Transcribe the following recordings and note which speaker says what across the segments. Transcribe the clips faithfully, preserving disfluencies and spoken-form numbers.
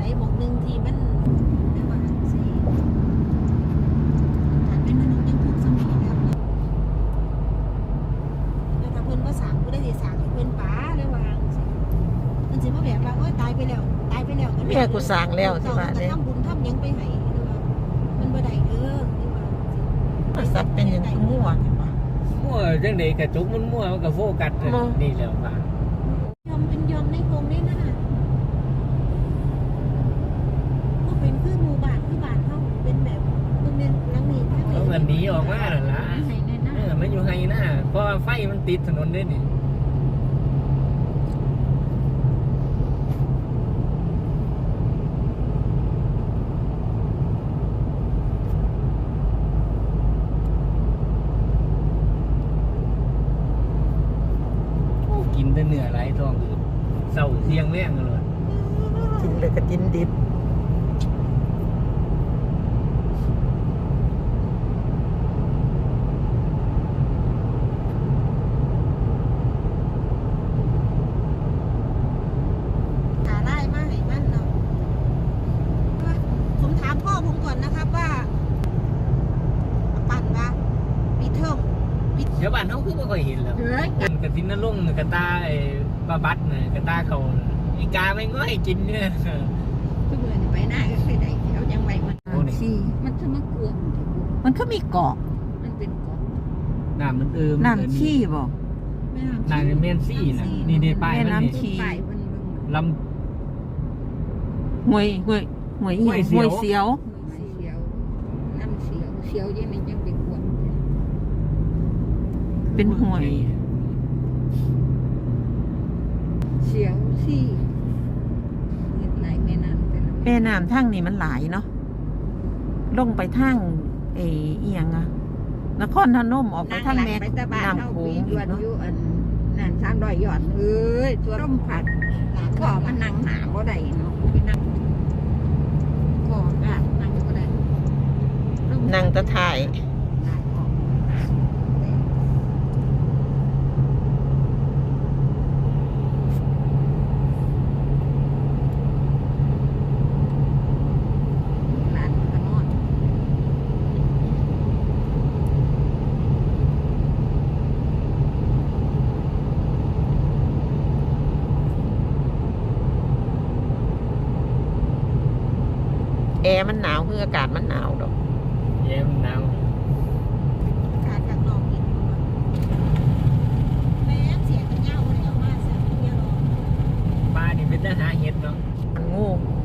Speaker 1: หมกหนึ่งที่มันได้ว่าสิการเป็นมนุษย์ยังถูกสมัยแล้วแล้วถ้าเพิ่นบ่สร้างผู้ใดสิสร้างให้เพิ่นป๋าได้ว่าสิเพิ่นสิมาแบบว่าโอ๊ยตายไปแล้วตายไปแล้วก็
Speaker 2: แม่กูสร้างแล้วสิว่า
Speaker 1: เด้
Speaker 2: เด้
Speaker 1: ทำบุญทำหยังไปให้หรือว่ามันบ่ได้เด้อหรือว่า
Speaker 2: สัตว์เป็นหยังคือมั่วนี่ว่า
Speaker 3: มั่วจังได๋กระจุกมันมั่วมันก็โฟกัสนี่แล้วว่า
Speaker 1: ยอมเป็นยอมในกรงได้นั่นน่ะบ่เป็นคือหมู่บ้านคือบ้านเฮาเป็นแบบเบิ่งแม่นหลังนี้ทาง
Speaker 3: เอา
Speaker 1: นี้
Speaker 3: เงินหนีออกมานั่นล่ะเออมันอยู่ไห้หน้าเพราะว่าไฟมันติดถนนเด้นี่กินแต่เนื้อไหลท้องอืดเศร้าเสียงแรงกันเลย
Speaker 2: กินเลยก็กินดิบ
Speaker 1: หาได้มากให้มันเนาะผมถามพ่อผมก่อนนะครับว่าปั่นว่าปีเทอม
Speaker 3: เดี๋ยวบ้านเขาคือไม่ค่อยเห็นแล้ว
Speaker 1: เฮ้ย
Speaker 3: กระตินนลุ่งกระตาไอ้ปลาบัดเนี่ยกระตาเขาอีกาไม่ง่อยกินเนี่ย
Speaker 1: ทุกเมื่อไปหน้าก็เคยได้เอายังไงมัน
Speaker 3: โอ้นี่
Speaker 1: ชีมันจะมากลัว
Speaker 2: มันก็มีเกาะ
Speaker 1: มันเป็นเกาะ
Speaker 3: น้ำมันเอิม
Speaker 2: น้ำขี้บ่
Speaker 1: แม่
Speaker 3: น้ำเมนซี่นะนี่เดป้ายมันนี่
Speaker 2: ขี้
Speaker 1: ป้ายมัน
Speaker 3: ล
Speaker 2: หวยหวยหวยอีหยังหวยเสียว
Speaker 1: เสียวน้ำเสียวเสียวยังไงยังเป็นขวด
Speaker 3: ำ
Speaker 2: เป็นหวย
Speaker 1: เสียวซี่เงินไหลแม่น้ำแต่ละ
Speaker 2: แม่น้ำทางนี่มันหลายเนาะลงไปทางเออีหยังอะนครพนมออกไปทางแม่น้ำโขงอีกเนาะ
Speaker 1: นั่นสามร้อยยอดเอ้ยตัวร่มผัดขอมันนั่งหาบ่ได้เนาะไปนั่งขอก็นั่งบ่ได้
Speaker 2: นั่งตะถ่าย
Speaker 1: ได้ออกหลานก็นอน
Speaker 2: แอร์มันหนาวคืออากาศมันหนาวดอก
Speaker 3: เย็นหนาว
Speaker 1: การจากนอกอีกแม่เสียงเงาเลยเอามาเสียงเงา
Speaker 3: ป้านี่เป็นทหารเห็ดเนาะ
Speaker 2: มันงู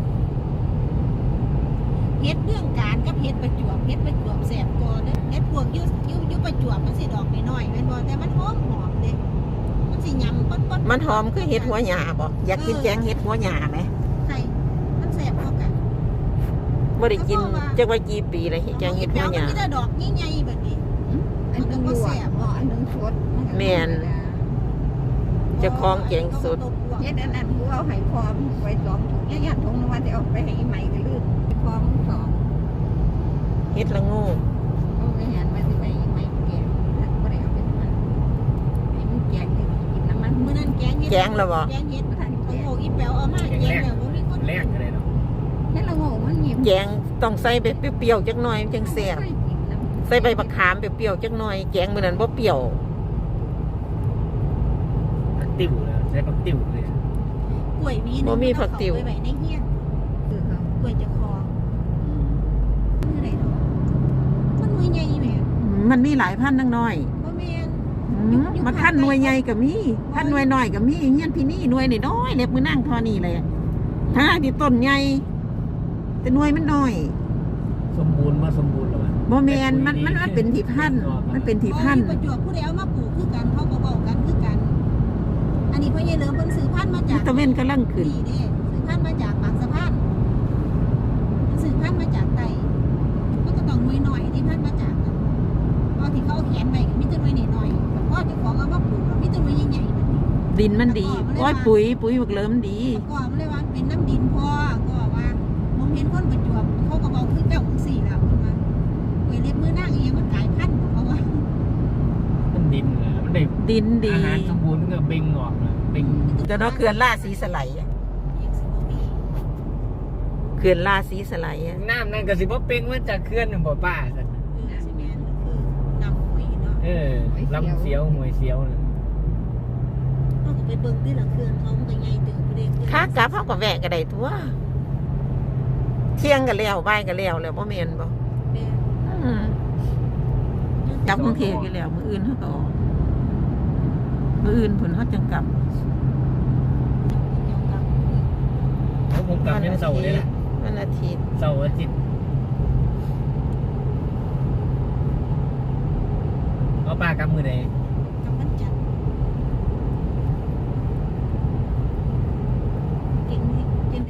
Speaker 1: เฮ็ดเรื่องการกับเฮ็ดประจวบเฮ็ดประจวบแสบก่อนเด้อเฮ็ดพวกยุ่ยุ่ยุ่ประจวบมันสิดอกน้อยๆแม่นบ่แต่มันหอมหอมเด้มันสิยำป๊ดๆ
Speaker 2: มันหอมคือเห็ดหัวหญ้าบ่อยากกินแกงเห็ดหัวหญ้าไหม
Speaker 1: ใช่มันแสบเท่ากัน
Speaker 2: บ่ได้กินจักว่ากี่ปีเลยแกงเห็ดหัวหญ้า
Speaker 1: มันมีแต่ดอกใหญ่ๆแบบนี้มันก็บ่แสบบ่อันนึงสด
Speaker 2: แม่น เจ้าของแกงสด
Speaker 1: เฮ็ดอันนั้นกูเอาให้พร้อมไว้สองถุงย่านๆถุงนึงว่าสิเอาไปให้อีใหม่ก็ลืมพร้อมสอง
Speaker 2: เห็ดละงู
Speaker 1: เอาไปหันมาสิไปอีใหม่แกงบ่ได้เอาไปมันให้มันแกงให้กินน้ำมันมื้อนั้นแกงเฮ็ด
Speaker 2: แกงแล้วบ่
Speaker 1: แกงเฮ็ดบ่ทันโอ้โหอีแป๋วเอามาแกงแล้วบ่มีคน
Speaker 3: แรกอะไรเนาะ
Speaker 1: เฮ็ดละโง่มันหยิบ
Speaker 2: แกงต้องใส่ไปเปรี้ยวๆจักหน่อยจังแซ่บใส่ใบบักขามเปรี้ยวๆจักหน่อยแกงมื้อนั้นบ่เปรี้ยว
Speaker 3: ติ๋วเลยใช้ปักติ๋วเลย
Speaker 1: กล้วยมีนึงไว้ไว้ในเฮียนเออกล้วยจะคอมื้อใดเนาะมันหน่วยใหญ่แม่
Speaker 2: มันมีหลายพันธุ์นังน้อย
Speaker 1: บ่แม่น
Speaker 2: อืมมันพันธุ์หน่วยใหญ่ก็มีพันธุ์หน่วยน้อยก็มีเงี้ยพี่นี่หน่วยน้อยๆเล็บมือนั่งเทอนี่เลยถ้าที่ต้นใหญ่แต่หน่วยมันน้อย
Speaker 3: สมบูรณ์มาสมบูรณ์แล้วมัน
Speaker 2: บ่แม่นมันมันมันเป็นที่พันธุ์มันเป็นที่พันธุ์
Speaker 1: ประจวบผู้ใดเอามาปลูกคือกันเขาก็เว้ากันคือกัน อันนี้พ่อใหญ่เหลิมเพิ่นซื้อพันธุ์มาจาก
Speaker 2: ตะเวนกำลังขึ้น
Speaker 1: นี่เด้ซื้อพันธุ์มาจากบางสะพานซื้อพันธุ์มาจากไตมันก็ต้องหน่วยหน่อยที่พันธุ์มาจากนั่นพอที่เขาเอาแขนไว้ก็มีแต่หน่วยน้อยๆพอเจ้าของเอามาปลูกก็มีแต่หน่วยใหญ่ๆแบบนี้
Speaker 2: ดินมันดีโอ้ยปุ๋ยปุ๋ยบักเหลิมดี
Speaker 1: ก็มันเลยว่าเป็นน้ำดินพ่อก็ว่าผมเห็นคนประจวบเขาก็บอกคือเจ้าของสี่แล้วเพิ่นว่าเว้ยเล็บมือนั่งเองมันกลายพันธุ์เพราะว่า
Speaker 3: มันดินเหรอมันได้
Speaker 2: ดินดี
Speaker 3: อาหารสมบูรณ์มันก็เบ่งออกนะเบ่ง
Speaker 2: จะเนาะเขื่อนล่าสีสไลด์อะ
Speaker 1: เอกสิบกว่าปี
Speaker 2: ขื่อนราศีสไลด์อะ
Speaker 3: น้ำนั่นก็สิบ่เป่งมาจากเขื่อนนั่นบ่ป้าซั่น
Speaker 1: เออซีเมนต์คือนำหวยเนาะ
Speaker 3: เออลำเสียวหวยเสียวน่ะ
Speaker 1: เขาก็ไปเบิ่งที่ละเครื่องเขามันก็ใหญ่เติบเด้
Speaker 2: ขากลับเฮาก็แวะก็ได้ทั่วเที่ยงก็แล้วบ่ายก็แล้วแล้วบ่แม่นบ่
Speaker 1: แม่
Speaker 2: อืมกลับกรุงเทพอยู่แล้วมื้ออื่นเฮาก็ออกมื้ออื่นพุ่นเฮาจังกลับ
Speaker 1: เกี่ยวกับ
Speaker 3: แล้วผมกลับยังเสาร์นี่แหละ
Speaker 2: วันอาทิตย์
Speaker 3: เสาร์อาทิตย์เอาป้ากลับมื้อใด